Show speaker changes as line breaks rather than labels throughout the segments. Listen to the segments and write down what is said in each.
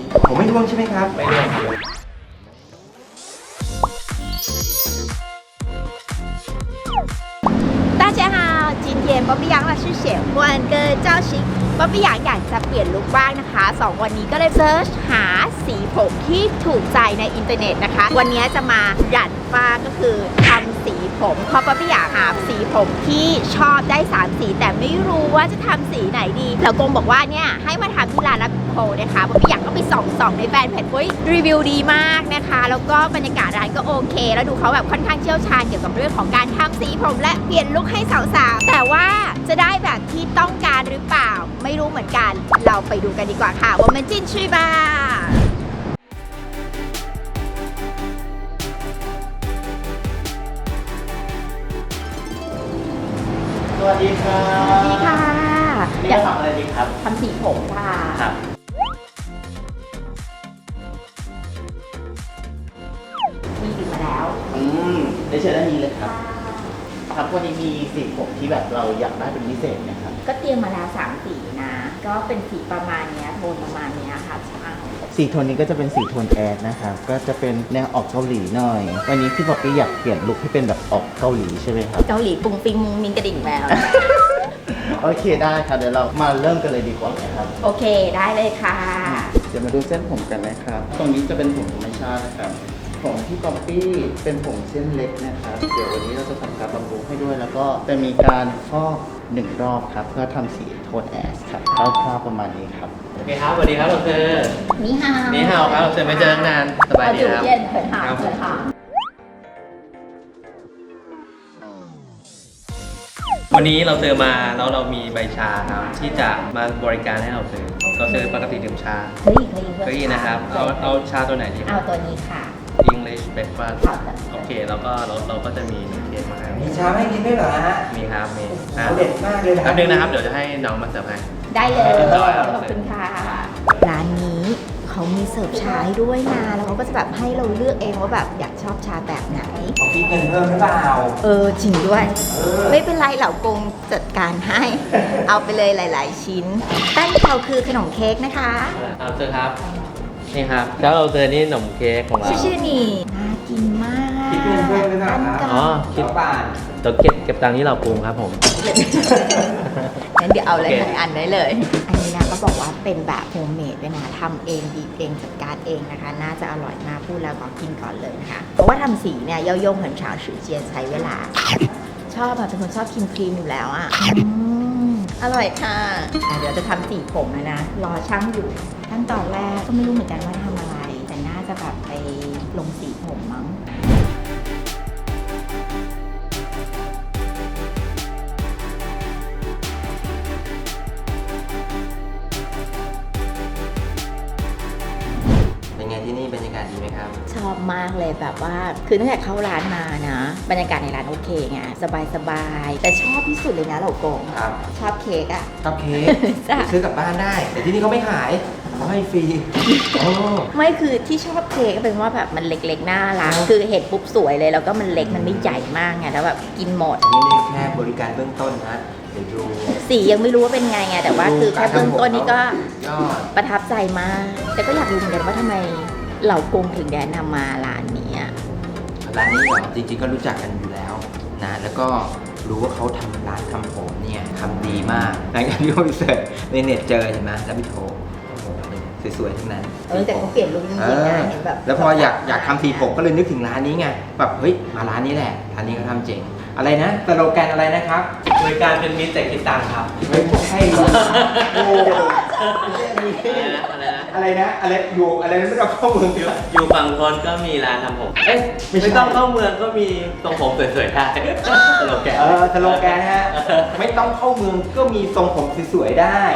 ผมไม่ร่วงใช่ไหมครับ
ไม่ร่วง
大家好，今天ป๊อปปี้ยังมาชื่อเฉียงกวนเกินเจ้าชิงป๊อปปี้ยังอยากจะเปลี่ยนลุคบ้างนะคะ2วันนี้ก็เลยเซิร์ชหาสีผมที่ถูกใจในอินเทอร์เน็ตนะคะวันนี้จะมาหยันฟ้าก็คือทำสีผมเพราะป๊อปปี้อยากหาสีผมที่ชอบได้3สีแต่ไม่รู้ว่าจะทำสีไหนดีแล้วกงบอกว่าเนี่ยให้มาทำที่ร้านรับโคนะคะป๊อปปี้อยากก็ไปส่องในแฟนเพจรีวิวดีมากนะคะแล้วก็บรรยากาศร้านก็โอเคแล้วดูเขาแบบค่อนข้างเชี่ยวชาญเกี่ยวกับเรื่องของการทำสีผมและเปลี่ยนลุคให้สาวๆแต่ว่าจะได้แบบที่ต้องการหรือเปล่าไม่รู้เหมือนกันเราไปดูกันดีกว่าค่ะว่ามันจิ้นชื่อบ้า
สวัสดีครับ
สวัสดีค่ะ
นี่จะทำอะไรดีครับ
ทำสีผมค่ะ
ครับ
มีติดมาแล้ว
ได้เชิญด้านนี้เลยครับครับวันนี้มีสีผมที่แบบเราอยากได้เป็นพิเศษนะครับ
ก็เตรียมมาแล้ว3สีนะก็เป็นสีประมาณเนี้ยโทนประมาณเนี้ยค่ะช่าง
สีโทนนี้ก็จะเป็นสีโทนแอดนะครับก็จะเป็นแนวออกเกาหลีหน่อยวันนี้พี่ป๊อปปี้อยากเปลี่ยนลุคให้เป็นแบบออกเกาหลีใช่ไหมครับ
เกาหลีปุงปิงมุงมิงกระดิ่งแมว
โอเคได้ครับเดี๋ยวเรามาเริ่มกันเลยดีกว่านะครับ
โอเคได้เลยค่ะ
เดี๋ยวมาดูเส้นผมกันนะครับ ตรงนี้จะเป็นผมธรรมชาตินะครับผมที่ป๊อปปี้เป็นผมเส้นเล็กนะครับ เดี๋ยววันนี้เราจะทำการบำรุงให้ด้วย แล้วก็จะมีการฟอก1 รอบครับ เพื่อทำสีโทนแอชครับคร่าวๆประมาณนี้ครับ
โอเคครับสวัสดีครับเราเจอ
นี่ฮาว
นี่ฮาวครับเราเจอไม่เจอตั้งนานสบายดีครับ
เย็นเผินหา
ครับ
เผินหา
วันนี้เราเจอมาแล้วเรามีใบชาครับที่จะมาบริการให้เราเจอเราเจอปกติดื่มชา
เฮ้ยเคย
เก้าอี้นะครับ เอาชาตัวไหนดีค
เอา
รับ
ตัวนี้ค่ะ
English breakfast
ครับ
โอเคแล้วก็เราก็จะมี1 เคสมาให้
มีชาให้กินด้วยเหรอฮะ
มีครับมี
เด็ดมากเลยนะ
แป๊บนึงนะครับ เดี๋ยวจะให้น้องมาเสิร์ฟให้
ได้เลย
ได้ครับ
ขอบคุณค่ะ ร้านนี้เขามีเสิร์ฟชาให้ด้วยนะ แล้วเขาก็จะแบบให้เราเลือกเองว่าแบบอยากชอบชาแบบไหน
ขอคิดเงินเพิ่มหรือเปล่า
จริงด้วย ไม่เป็นไรเหล่ากงจัดการให้ เอาไปเลยหลาย ๆ ชิ้นแป้งเขาคือขนมเค้กนะคะ
เอาเจอครับ นี่ครับ แล้วเราเจอนี่ขนมเค้กของเรา
ชื่อนี่น่ากินมาก
คิดเงินเพิ่มหรือเปล่าครับ
อ๋อ
คิดบาท
เดี๋ยวเก็บตังค์ที่เราปรุงครับผม
งั้นเดี๋ยวเอาเลย
โอเค
ทั้งอันได้เลย อันนี้นะก็บอกว่าเป็นแบบโฮมเมดด้วยนะทำเองบีบเองจัดการเองนะคะ น่าจะอร่อยมากพูดแล้วก็กินก่อนเลยนะคะ เพราะว่าทำสีเนี่ยย่อยง很长时间ใช้เวลา ชอบอะเป็นคนชอบกินครีมอยู่แล้วอะอร่อยค่ะเดี๋ยวจะทำสีผมแล้วนะ รอช่างอยู่ขั้นตอนแรกก็ไม่รู้เหมือนกันว่าทำอะไร แต่น่าจะแบบไปลงสีผมมั้ง
เป็นไงที่นี่บรรยากาศดีไหมครับ
ชอบมากเลยแบบว่าคือตั้งแต่เข้าร้านมานะบรรยากาศในร้านโอเคไงสบายๆแต่ชอบที่สุดเลยนะเหล่ากง
ครับ
ชอบเค้กอะ
ชอบเค้ก
จ้ะ
ซื้อกลับบ้านได้ แต่ที่นี่เขาไม่ขายเขาให้ฟรีโอ้
ไม่คือที่ชอบเค้กก็เป็นว่าแบบมันเล็กๆน่ารักคือเห็นปุ๊บสวยเลยแล้วก็มันเล็กมันไม่ใหญ่มากไงแล้วแบบกินหมด
นี่แค่บริการเบื้องต้นนะเดี๋ยวดู
สียังไม่รู้ว่าเป็นไงแต่ว่าคือแค่เบื้องต้นนี่ก็
ยอด
ประทับใจมาก แต่ก็อยากรู้เหมือนกันว่าทำไมเหล่ากงถึงแนะนำมาร้านนี้อะ
ร้านนี้เหรอจริงๆก็รู้จักกันอยู่แล้วนะแล้วก็รู้ว่าเขาทำร้านทำผมเนี่ยทำดีมากหลังจากที่เขาไปเสิร์ชในเน็ตเจอเห็นไหมแล้วไปโทรโอ้โหสวยๆทั้งนั้น
แต่เขาเปลี่ยนลุคจริงๆนะเห็นแบบ
แล้วพออยากทำสีผมก็เลยนึกถึงร้านนี้ไงแบบเฮ้ยมาร้านนี้แหละร้านนี้เขาทำเจ๋งอะไรนะสโลแกนอะไรนะครับ
บริการเป็นมิตรแต่คิดตังค์ครับ
ไม่ใช่โอ้
อะไรนะ
อะไรอยู่อะไรไม่ต้องเข้าเมืองดีกว่า
อยู่ฝั่งทนก็มีร้านทำผม เอ๊ะ ไม่ต้องเข้าเมืองก็มีตรงผมสวยๆได้ตลกแก
สโลแกนฮะไม่ต้องเข้าเมืองก็มีทรงผมสวยๆได้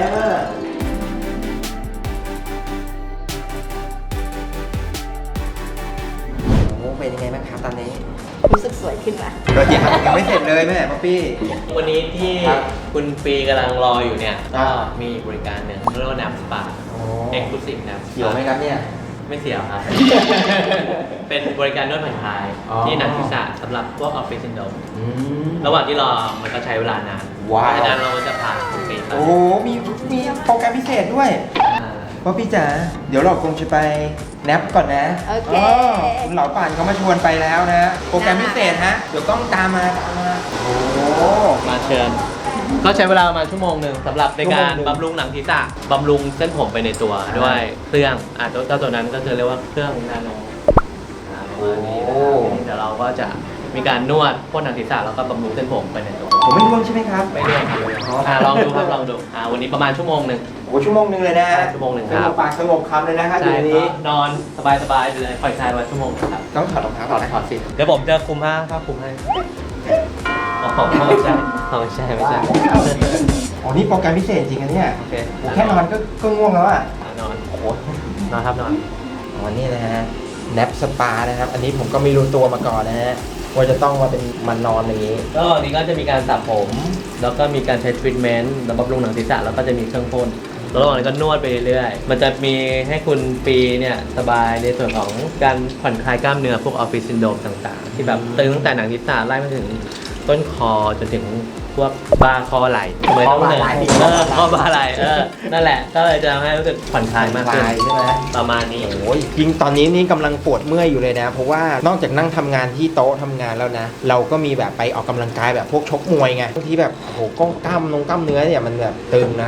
โอ้เป็นยังไงบ้างครับตอนนี้
รู้สึกสวยขึ้นมา
ก็ยังไม่เสร็จเลยแม่ป๊อปปี้
วันนี้ที่
ครับ
คุณปีกำลังรออยู่เนี่ย
ครั
ก็
บ
มีบริการหนึ่งเรียกว่าน้ำสปา
โอ้
เอ็กซ์คลูซีฟน้ำสปา
เกี่ยวไหมครับเนี่ย
ไม่เสียวครับ เป็นบริการนวดผ่อนคลาย
อ๋อ
ที่หนังศีรษะสำหรับพวกออฟฟิศซินโดรม
อืม
ระหว่างที่รอมันก็ใช้เวลานาน
ว้าว
เพราะฉะนั้นเราก็จะพาคุณปีไป
โอ้มีโปรแกรมพิเศษด้วย
อ่า
ว่าพี่จ๋าเดี๋ยวเราคงจะไปแนปก่อนนะ
โอเค
คุณเหล่าป่านเขามาชวนไปแล้วนะ โปรแกรมพิเศษฮะ เดี๋ยวต้องตามมาโอ้โห
มาเชิญ ก็ใช้เวลาประมาณชั่วโมงหนึ่งสำหรับในการ
ชั่วโมงหนึ่ง
บำรุงหนังศีรษะบำรุงเส้นผมไปในตัวด้วยเครื่องเจ้าตัวนั้นก็คือเรียกว่าเครื่องนาโนประมาณนี้นะครับเดี๋ยวเราก็จะมีการนวดพ่นหนังศีรษะแล้วก็บำรุงเส้นผมไปในตัว
ผมไม่ร่วงใช่ไหมครับ
ไม่เรื่องครับลองดูครับลองดูวันนี้ประมาณชั่วโมงหนึ่ง
โอ้ชั่วโมงหนึ่งเลยนะ
ชั่วโมงหนึ่ง
ส
ครั
ง
บบ
ปากสงบคำเลยนะครับ
ใช่
เดี๋ยวนี้
นอนสบายๆเลยปล่อยคลายวันชั่วโมงครับ
ต้องถอดรองเท้าก่อนนะ
ถอดสิเดี๋ยวผมจะคุมผ้าคลุมให้อ๋อไม่ใช่ไม่ใช่ไม่ใช่
อ๋อนี่โปรแกรมพิเศษจริงๆนะเนี่ย
โอเค
โอ้แค่นอนก็ง่วงแล้วอ่ะ
นอน
โอ้โห
นอนครับนอน
อ๋อนี่นะฮะแนปสปานะครับ อันนี้ผมก็ไม่รู้ตัวมาก่อนนะฮะว่าจะต้องมาเป็นมันนอนอย่างนี้
ก็นี่ก็จะมีการสระผม แล้วก็มีการใช้ทรีทเมนต์แล้วบำรุงหนังศีรษะแล้วก็จะมีเครื่องพ่นแล้วระหว่างนั้นก็นวดไปเรื่อยๆมันจะมีให้คุณปีเนี่ยสบายในส่วนของการผ่อนคลายกล้ามเนื้อพวกออฟฟิศซินโดรมต่างๆ ที่แบบตึงตั้งแต่หนังศีรษะไล่มาถึงต้นคอจนถึงพวกบ่าคอไหล่ทำไมต้องเหนื่อยคอบ่าไหล่นั่นแหละก็เลยจะทำให้รู้สึกผ่อนคลายมากขึ้น
ผ่อนคลายใช่ไหม
ประมาณนี้
โอ้ยจริงตอนนี้นี่กำลังปวดเมื่อยอยู่เลยนะ เพราะว่านอกจากนั่งทำงานที่โต๊ะทำงานแล้วนะ เราก็มีแบบไปออกกำลังกายแบบพวกชกมวยไงบางทีแบบโอ้โหกล้ามเนื้อเนี่ยมันแบบตึงนะ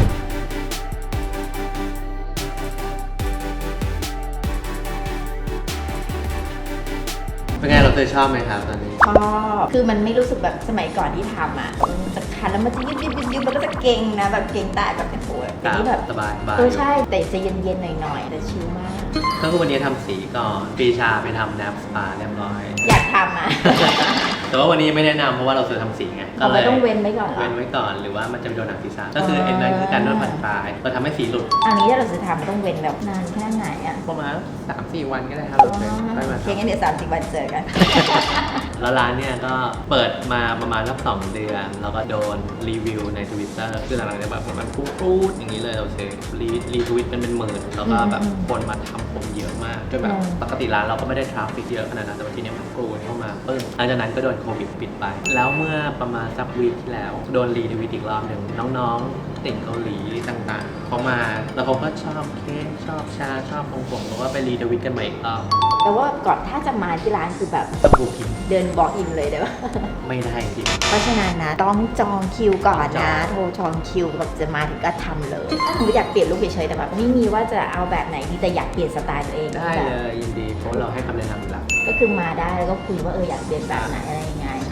เป็นไงเราเคยชอบไหมครับตอนนี้
ชอบคือมันไม่รู้สึกแบบสมัยก่อนที่ทำอ่ะมันจะคันแล้วมันจะยืดแล้วก็จะเก่งนะแบบเก่งตายแบบโอ้ยแต่นี่แบบ
สบายสบาย
ใช่แต่จะเย็นๆหน่อยๆแต่ชิลมาก
ก็คือวันนี้ทำสีก่อนปีชาไปทำแนปสปาเรียบร้อย
อยากทำอ่ะ
แต่ว่าวันนี้ไม่แนะนำเพราะว่าเราเคยทำสีไง
เราไม่ต้องเว้นไว้ก่อนเหรอ
เว้นไว้ก่อนหรือว่ามันจะไปโดนหนังศีรษะก็คือเอ็นนั่นคือการนวดผ่อนคลายเราทำให้สีหลุด
อันนี้ถ้าเราจะทำต้องเว้นแบบนานแค่ไหนอ่ะ
ประมาณ 3-4 วันก็ได้ครับ
อ๋
โอเค
อ
ไม่มา
โอเคงั้นเดี๋ยว30 วันเจอกัน
แล้วร้านเนี่ยก็เปิดมาประมาณสัก2 เดือน แล้วก็โดนรีวิวใน Twitter คือหลังๆจะแบบมันพูดอย่างนี้เลยเราเซรีทวิตเป็นหมื่นแล้วก็แบบคนมาทำผมเยอะมากจนแบบปกติร้านเราก็ไม่ได้ทราฟฟิกเยอะขนาดนั้นแต่ว่าทีเนี้ยมันกรูนเข้ามาปึ้งหลังจากนั้นก็โดนโควิดปิดไป แล้วเมื่อประมาณสักวีคที่แล้วโดนรีทวิตอีกรอบหนึ่งน้องๆติ่งเกาหลีต่างๆเขามาแล้วเขาก็ชอบเค้กชอบชาชอบของผมแล้วก็ไปรีทวิตกันใหม่อีกรอบ
แต่ว่าก่อนถ้าจะมาที่ร้านคือแบบ
ต้องดูคิด
เดินบอกอินเลยได้ปะ
ไม่ได้จริง
เพราะฉะนั้นนะต้องจองคิวก่อนนะ
จอง
โทรจองคิวแบบจะมาถึงก็ทำเลยถ้าสมมติอยากเปลี่ยนลุคเฉยๆแต่แบบไม่มีว่าจะเอาแบบไหนดีแต่อยากเปลี่ยนสไตล์ตัวเอง
ได้
แบบ
เลยยินดีเพราะเราให้คำแนะนำอยู่แล้ว
ก็คือมาได้แล้วก็คุยว่าอยากเปลี่ยนแบบไหนอะไรยังไง
ใช่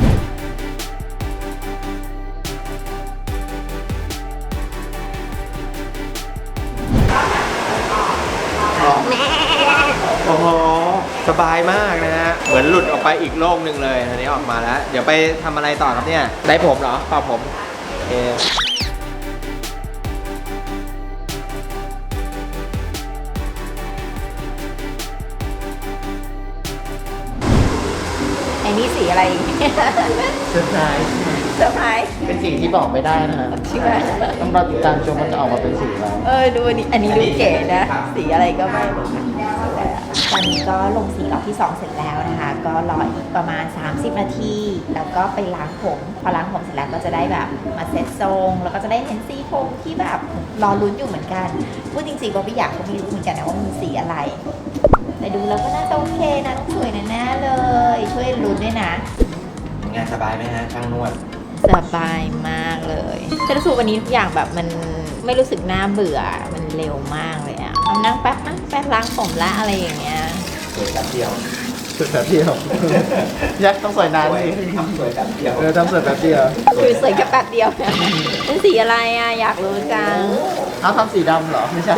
โอ้โหสบายมากนะฮะเหมือนหลุดออกไปอีกโลกหนึ่งเลยอันนี้ออกมาแล้ว เดี๋ยวไปทำอะไรต่อครับเนี่ยได้ผมเหรอเปล่าผมโอเค
ไอ้นี่สีอะไร
เซอร์ไพรส์
เซอร์ไพรส์
เป็นสิ่งที่บอกไม่ได้นะฮะ
ใช่ไหม
ต้องรอติดตามชมว่าจะออกมาเป็นสีอะไร
ดูอันนี้ดูเก๋นะ สีอะไรก็ไม่รู้สวยอะตอนนี้ก็ลงสีรอบที่ 2 เสร็จแล้วนะคะ ก็รออีกประมาณ 30 นาที แล้วก็ไปล้างผม พอล้างผมเสร็จแล้วก็จะได้แบบมาเซ็ตทรง แล้วก็จะได้เห็นสีผมที่แบบรอลุ้นอยู่เหมือนกัน พูดจริงๆว่าพี่อยากก็ไม่รู้เหมือนกันนะว่ามีสีอะไร แต่ดูแล้วก็น่าจะโอเคนะต้องสวยแน่ๆเลย ช่วยลุ้นด้วยนะ
งานสบายไหมฮะช่างนวด
สบายมากเลยแต่รู้สึกวันนี้ทุกอย่างแบบมันไม่รู้สึกน่าเบื่อ มันเร็วมากเลยอะเอานั่งแป๊บล้างผมละอะไรอย่างเงี้ย
สวยแป๊บเดียว
สุดแบบเดียว ยักษ์ต้องสวยนานสิ
ทำสวยแป๊บเดียว
ทำสวยแบบเดียว
คือสวยแค่แป๊บเดียวนะเป็นสีอะไรอะอยากรู้จัง
เอาทำสีดำเหรอ ไม่ใช่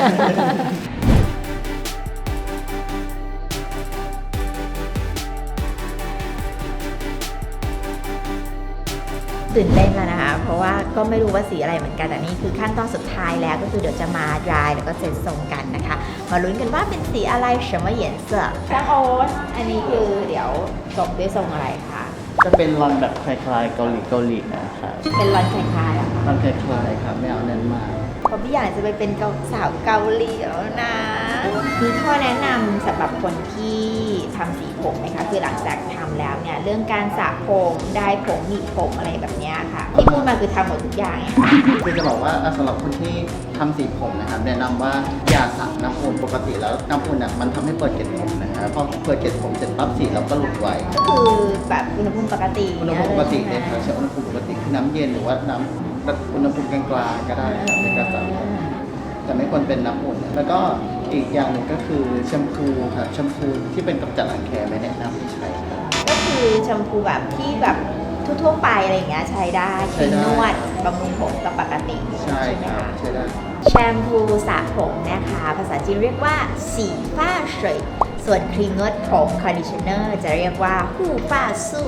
ตื่นเต้นแล้วนะคะ เพราะว่าก็ไม่รู้ว่าสีอะไรเหมือนกันแต่นี่คือขั้นตอนสุดท้ายแล้วก็คือเดี๋ยวจะมาดรายแล้วก็เซ็นทรงกันนะคะ มาลุ้นกันว่าเป็นสีอะไร什么颜色ช่างโอ๊ตอันนี้คือเดี๋ยวจบด้วยทรงอะไรคะ
จะเป็นรอนแบบคล้ายๆเกาหลีนะครับ
เป็นรอนคล้ายๆเหรอคะ
รอนคล้ายๆครับไม่เอาเน้นมาก
เพราะพี่อยากจะไปเป็นสาวเกาหลีแล้วนะมีข้อแนะนำสำหรับคนที่ทำสีผมไหมคะคือหลังจากทำแล้วเนี่ยเรื่องการสระผมได้ผมหนีบผมอะไรแบบเนี้ยค่ะที่พูดมาคือทำหมดทุกอย่างเนี่ยค่ะ
คือจะบอกว่าสำหรับคนที่ทำสีผมนะครับแนะนำว่าอย่าสระน้ำอุ่นปกติแล้วน้ำอุ่นน่ะมันทำให้เปิดเกล็ดผมนะครับพอเปิดเกล็ดผมเสร็จปั๊บสีเราก็หลุดไว
ก็คือแบบอุณหภูมิปกติ
อุณหภูมิปกติเลย
ใช่
ครับ
ไหม
ใช้อุณหภูมิปกติคือน้ำเย็นหรือว่าน้ำอุณหภูมิกลางๆก็ได้ครับในการสระผมแต่ไม่ควรเป็นน้ำอุ่นแล้วก็อีกอย่างหนึ่งก็คือแชมพูครับแชมพูที่เป็นกำจัดรังแคไม่แนะนำให้ใช้ครับ
ก็คือแชมพูแบบที่แบบทั่วๆไปอะไรอย่างเงี้ยใช้ได้
ใช้ได้
นวดบำรุงผมกับปกติ
ใช่
ไหม
ครับ
คะ
ใช้ได้
แชมพูสระผมนะคะ ภาษาจีนเรียกว่าสีฟ้าเฉยส่วนครีมนวดผมคอนดิชเนอร์จะเรียกว่าหู่ฟ้าสู้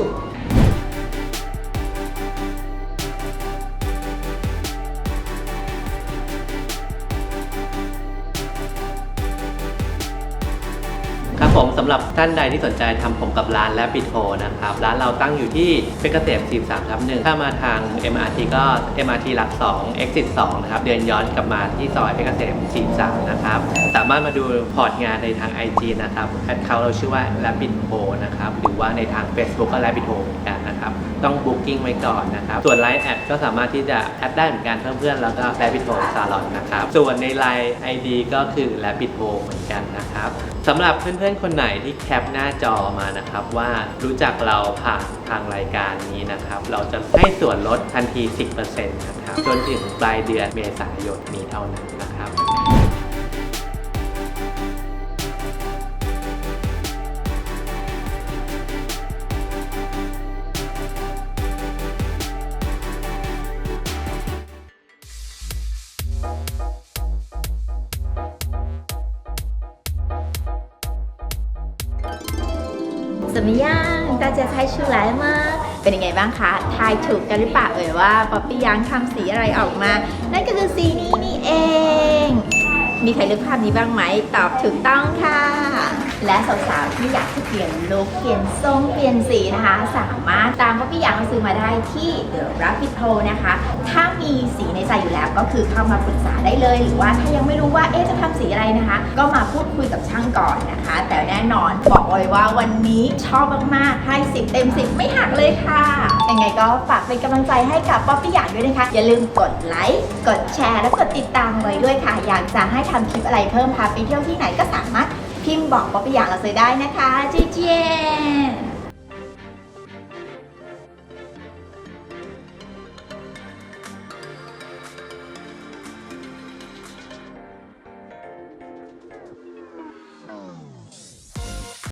ครับผมสำหรับท่านใดที่สนใจทำผมกับร้านและปิดโทนะครับร้านเราตั้งอยู่ที่เพชรเกษม 43/1 ถ้ามาทาง MRT ก็ MRT หลัก 2 Exit 2 นะครับเดินย้อนกลับมาที่ซอยเพชรเกษม 43 นะครับสามารถมาดูพอร์ตงานในทาง IG นะครับแอดเขาเราชื่อว่า Rabbit Ho นะครับหรือว่าในทาง Facebook ก็ Rabbit Ho เหมือนกันนะครับต้อง Booking ไว้ก่อนนะครับส่วน Line แอดก็สามารถที่จะแอดได้เหมือนกันเพื่อนๆแล้วก็ Rabbit Ho Salon นะครับส่วนใน Line ID ก็คือ Rabbit Ho เหมือนกันนะครับสำหรับเพื่อนๆคนไหนที่แคปหน้าจอมานะครับว่ารู้จักเราผ่านทางรายการนี้นะครับเราจะให้ส่วนลดทันที 10% นะครับจนถึงปลายเดือนเมษายนนี้เท่านั้นนะครับ
怎么样大家猜出来吗เป็นยังไงบ้างคะทายถูกกันหรือเปล่าว่าป๊อปปี้ยังทำสีอะไรออกมานั่นก็คือสีนี้นี่เอง มีใครนึกภาพนี้บ้างไหมตอบถูกต้องค่ะ และสาวๆที่อยากจะเปลี่ยนลุคเปลี่ยนทรงเปลี่ยนสีนะคะ สามารถตามป๊อปปี้ยังมาซื้อมาได้ที่ The Rabbit Hole นะคะถ้ามีสีในใจอยู่แล้วก็คือเข้ามาปรึกษาได้เลยหรือว่าถ้ายังไม่รู้ว่าจะทำสีอะไรนะคะ ก็มาพูดคุยกับช่างก่อนนะคะ แต่แน่นอนบอกเลยว่าวันนี้ชอบมากๆให้10 เต็ม 10ไม่หักเลยค่ะยังไงก็ฝากเป็นกำลังใจให้กับป๊อปปี้ยังด้วยนะคะอย่าลืมกดไลค์กดแชร์และกดติดตามไว้ด้วยค่ะอยากจะให้ทำคลิปอะไรเพิ่มพาไปเที่ยวที่ไหนก็สามารถพิมพ์บอกป๊อปปี้ยังเราซื้อได้นะคะเจียน